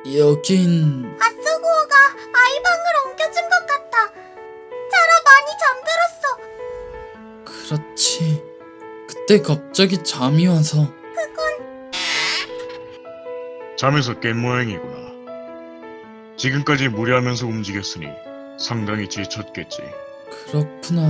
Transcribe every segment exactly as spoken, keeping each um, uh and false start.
여긴... 아스고가 아이방을 옮겨준 것 같아. 자라 많이 잠들었어. 그렇지. 그때 갑자기 잠이 와서... 그건... 잠에서 깬 모양이구나. 지금까지 무리하면서 움직였으니 상당히 지쳤겠지. 그렇구나.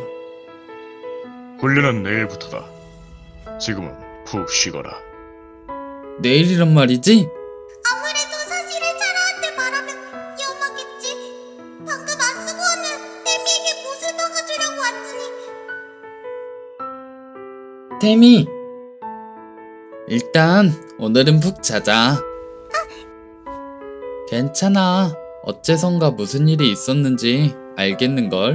훈련은 내일부터다. 지금은 푹 쉬거라. 내일이란 말이지? 아무래도 사실을 자라한테 말하면 위험하겠지. 방금 아스고는 데미에게 못을 박아주려고 왔으니. 태미! 일단 오늘은 푹 자자. 괜찮아. 어째선가 무슨 일이 있었는지 알겠는걸?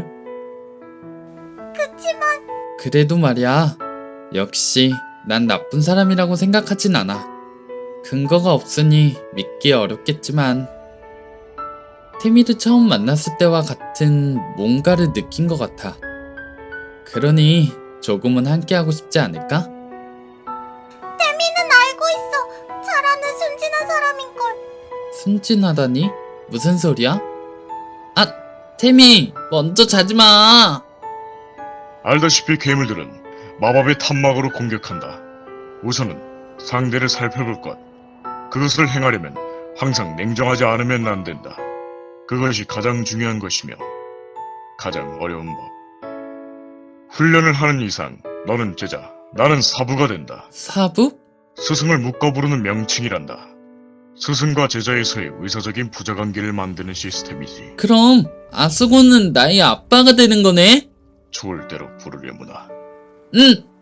그치만 그래도 말이야. 역시 난 나쁜 사람이라고 생각하진 않아. 근거가 없으니 믿기 어렵겠지만 태미를 처음 만났을 때와 같은 뭔가를 느낀 것 같아. 그러니 조금은 함께하고 싶지 않을까? 데미는 알고 있어. 자라는 순진한 사람인걸. 순진하다니? 무슨 소리야? 아! 태미! 먼저 자지마! 알다시피 괴물들은 마법의 탐막으로 공격한다. 우선은 상대를 살펴볼 것. 그것을 행하려면 항상 냉정하지 않으면 안 된다. 그것이 가장 중요한 것이며 가장 어려운 법. 훈련을 하는 이상 너는 제자, 나는 사부가 된다. 사부? 스승을 묶어 부르는 명칭이란다. 스승과 제자에서의 의사적인 부자관계를 만드는 시스템이지. 그럼 아스고는 나의 아빠가 되는 거네? 좋을 대로 부르려무나. 응!